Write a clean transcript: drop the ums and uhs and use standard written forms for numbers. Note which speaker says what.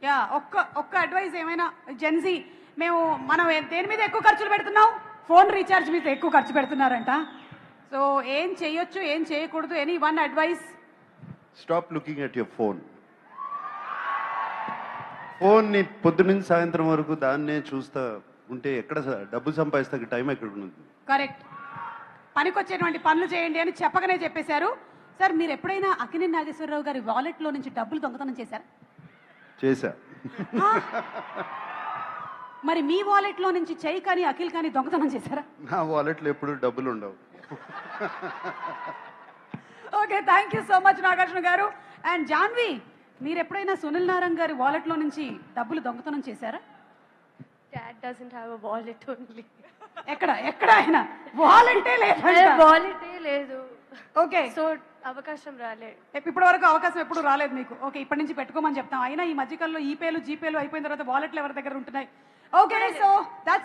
Speaker 1: Yeah ఒక్క advice ఏమైనా Gen Z మేము మనం దేని మీద ఎక్కువ ఖర్చులు పెడుతున్నాం, ఫోన్ రీఛార్జ్ మీద ఎక్కువ ఖర్చు పెడుతున్నారంట. సో ఏం చేయొచ్చు ఏం చేయకూడదు, any one advice?
Speaker 2: Stop looking at your phone. ఫోన్ని పొద్దునుంచి సాయంత్రం వరకు దాన్నే చూస్తా ఉంటే ఎక్కడ డబ్బు సంపాదిస్తే టైం ఎక్కడ ఉంది?
Speaker 1: కరెక్ట్. పనికొచ్చేటువంటి పనులు చేయండి అని చెప్పకనే చెప్పేశారు. సార్ మీరు ఎప్పుడైనా అక్కినేని నాగేశ్వరరావు గారి వాలెట్లో నుంచి డబ్బులు దొంగతనం చేశారా?
Speaker 2: చేశా.
Speaker 1: మరి మీ వాలెట్లో నుంచి చెయ్యి కానీ అఖిల్ కానీ దొంగతనం చేశారా?
Speaker 2: నా వాలెట్లో ఎప్పుడు డబ్బులు ఉండవు.
Speaker 1: Okay, thank you so much Nagarjuna garu. And Janhvi, మీరు ఎప్పుడైనా సునీల్ నారాయణ గారి వాలెట్లో నుంచి డబ్బులు దొంగతనం చేశారా?
Speaker 3: Dad doesn't have a wallet only.
Speaker 1: ఎక్కడ ఆయన వాలెంటే లేదు.
Speaker 3: వాలెటే లేదు.
Speaker 1: ఓకే,
Speaker 3: సో అవకాశం రాలే.
Speaker 1: ఇప్పటి వరకు అవకాశం ఎప్పుడు రాలేదు మీకు. ఓకే, ఇప్పటి నుంచి పెట్టుకోమని చెప్తాం. అయినా ఈ మధ్యకాలంలో ఈపేలు జీపేలు అయిపోయిన తర్వాత వాలెట్లు ఎవరి దగ్గర ఉంటున్నాయి. Okay, so that's